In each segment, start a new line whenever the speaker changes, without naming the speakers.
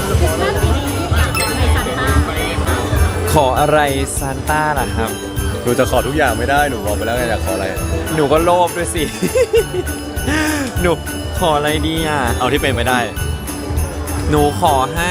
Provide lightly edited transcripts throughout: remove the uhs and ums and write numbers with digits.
คริสต์มาสปีนี้อยากขออะไรซานต้า
ขออะไรซานต้าล่ะครับ
หนูจะขอทุกอย่างไม่ได้หนูบอกไปแล้วไงอยากขออะไร
หนูก็โลภด้วยสิ หนูขออะไรดีอ่ะ
เอาที่เป็นไปได้
หนูขอให้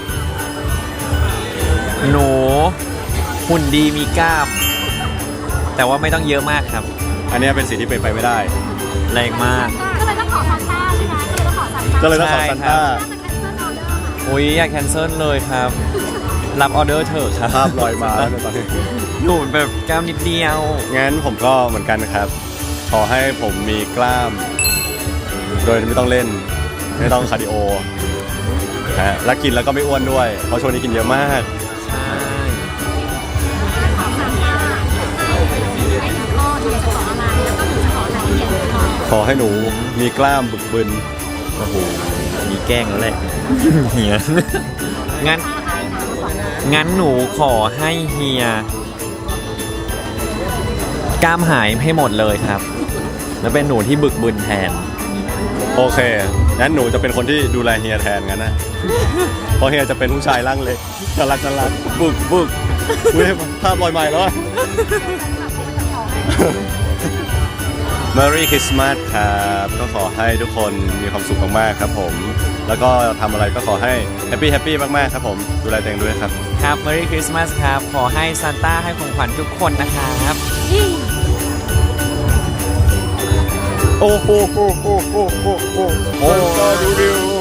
หนูหุ่นดีมีกล้าม แต่ว่าไม่ต้องเยอะมากครับ
อันนี้เป็นสิ่งที่เป็นไปไม่ได้
แรงมาก
ก็เลยต้องขอซานต้าใช่ไหมก็เลยต้องขอซานต้า
ก็เลยต้องขอซานต้า
น่าจะแคนเซิลออเดอร์ค่ะ
อุ้ยอยากแคนเซิลเลยครับ รับออเดอร์เถอะครับ
ภาพลอยมาแล้วในตอนนี้
หนูแบบกล้ามนิดเดียว
งั้นผมก็เหมือนกันนะครับ ขอให้ผมมีกล้าม โดยไม่ต้องเล่น ไม่ต้องคาร์ดิโอนะฮะและกินแล้วก็ไม่อ้วนด้วย เพราะช่วงนี้กินเยอะมาก
ใช่
ขอซานต้าให้หนูก็หนูจะขออะไรแล้วก็หนูจะขออะไรที่เห็นขอ
ขอให้หนูมีกล้ามบึกบึน
โอ้โหมีแกล้งแล้วแหละ เฮียงั้น
ถ้าให้ค่ะขออะไร
งั้นหนูขอให้เฮียกล้ามหายให้หมดเลยครับ แล้วเป็นหนูที่บึกบึนแทน
โอเค งั้นหนูจะเป็นคนที่ดูแลเฮียแทนงั้นนะ เพราะเฮียจะเป็นผู้ชายร่างเล็กน่ารักน่ารักบึกบึกอุ้ยภาพลอยใหม่แล้วอะ Merry Christmas ครับก็ขอให้ทุกคนมีความสุขมากๆครับผม แล้วก็ทำอะไรก็ขอให้แฮปปี้มากๆครับผม ดูแลตัวเองด้วยครับ
ครับ Merry Christmas ครับ ขอให้ซานต้าให้ของขวัญทุกคนนะครับ
โอ้โหโอ้โหโอ้โหโอ้โหโอ้โหดูดิว